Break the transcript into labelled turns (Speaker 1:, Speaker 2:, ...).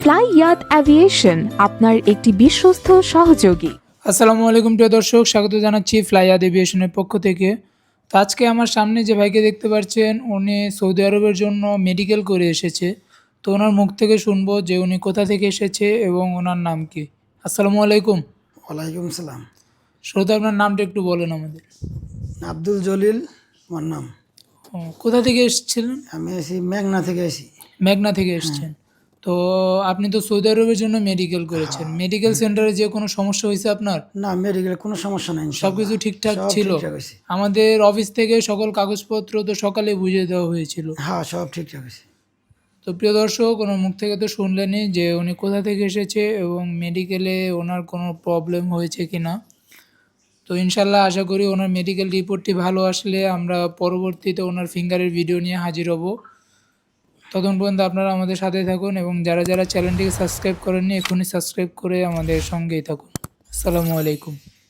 Speaker 1: Fly ইয়াত aviation আপনার একটি বিশ্বস্ত সহযোগী।
Speaker 2: আসসালামু আলাইকুম প্রিয় দর্শক, স্বাগত জানাচ্ছি ফ্লাই ইয়াত এভিয়েশনের পক্ষ থেকে। তো আজকে আমার সামনে যে ভাইকে দেখতে পাচ্ছেন, উনি সৌদি আরবের জন্য মেডিকেল করে এসেছে। তো ওনার মুখ থেকে শুনবো যে উনি কোথা থেকে এসেছে এবং ওনার নাম কি। আসসালামু আলাইকুম।
Speaker 3: ওয়ালাইকুম সালাম।
Speaker 2: শুরুতে আপনার নামটা একটু বলেন আমাদের।
Speaker 3: আব্দুল জলিল আমার নাম।
Speaker 2: কোথা থেকে এসেছিলেন?
Speaker 3: আমি এসি মেঘনা থেকে এসি।
Speaker 2: মেঘনা থেকে এসেছেন। তো আপনি তো সৌদি আরবের জন্য মেডিকেল করেছেন, মেডিকেল সেন্টারে যে কোনো সমস্যা হয়েছে আপনার?
Speaker 3: না, মেডিকেলে কোনো সমস্যা নাই, ইনশাআল্লাহ।
Speaker 2: সবকিছু ঠিকঠাক
Speaker 3: সব
Speaker 2: ছিল?
Speaker 3: ঠিকঠাক হয়েছে।
Speaker 2: আমাদের অফিস থেকে সকল কাগজপত্র তো সকালে বুঝিয়ে দেওয়া হয়েছিল।
Speaker 3: হ্যাঁ, সব ঠিকঠাক হয়েছে।
Speaker 2: তো প্রিয় দর্শক, ওনার মুখ থেকে তো শুনলেনই যে উনি কোথা থেকে এসেছে এবং মেডিকেলে ওনার কোনো প্রবলেম হয়েছে কি না। তো ইনশাল্লাহ আশা করি ওনার মেডিকেল রিপোর্টটি ভালো আসলে আমরা পরবর্তীতে ওনার ফিঙ্গারের ভিডিও নিয়ে হাজির হব। ততক্ষণ পর্যন্ত আপনারা আমাদের সাথে থাকুন এবং যারা যারা চ্যানেলটিকে সাবস্ক্রাইব করেননি এখনই সাবস্ক্রাইব করে আমাদের সঙ্গেই থাকুন। আসসালামু আলাইকুম।